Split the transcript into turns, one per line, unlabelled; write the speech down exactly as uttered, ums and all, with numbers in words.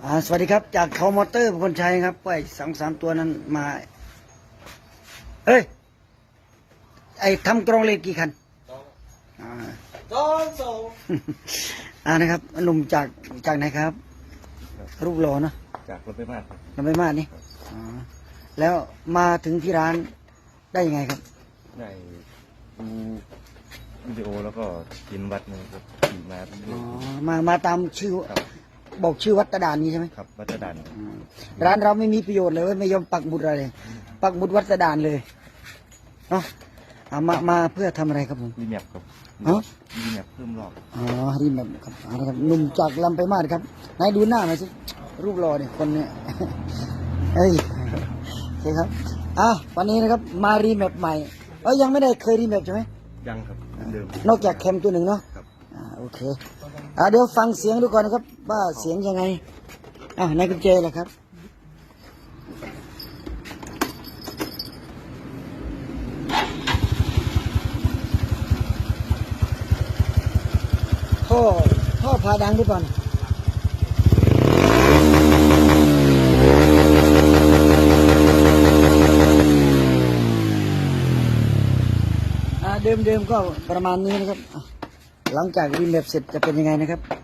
อ่าสวัสดีครับจากเขามอเตอร์พลชัยครับไปสองสามตัวนั้นมาเอ้ยไอทำกรองเหล็กกี่คันอ่า
สองสอง
อ่านะครับหนุ่มจากจากไหนครับรูปหล่อเนอะ
จากรถไปบ้านครับ
ลำไปมากนี่อ๋อแล้วมาถึงที่ร้านได้ยังไงครับ
ได้ดูวิดีโอแล้วก็กินวัดนะครับขี่มาเรื่
อ๋
อ
อย มามาตามชื่อ
ๆครับ
บอกชื่อวัดตะดานนี้ใช่ไหม
ครับวัดดัน
อืมร้านเราไม่มีประโยชน์เลยเว้ยไม่ยอมปักหมุดอะไรเลยปักหมุดวัดตะดานเลยเนาะเอามามาเพื่อทำอะไรครับผม
รีแมปครับ
ฮะ
รีแมปเพิ่มรอบ
อ๋อรีแบบครับเอาละครับหนุ่มจากลำไปมาดครับไหนดูหน้าหน่อยสิรูปหล่อเนี่ยคนเนี่ย เอ้ยโอเคครับอ่ะวันนี้นะครับมารีแมปใหม่เอ้ยยังไม่ได้เคยรีแมปใช่ไหม
ยังครับเดิม
นอกจากแคมตัวหนึ่งเนาะ
ครับ
อ่าโอเคอ่าเดี๋ยวฟังเสียงดูก่อนนะครับว่าเสียงยังไงอ่ะนายกุญแจล่ะครับท่อท่อพาดังดูก่อนอ่าเดิมๆก็ประมาณนี้นะครับอ่ะหลังจากรีแมปเสร็จจะเป็นยังไงนะครับ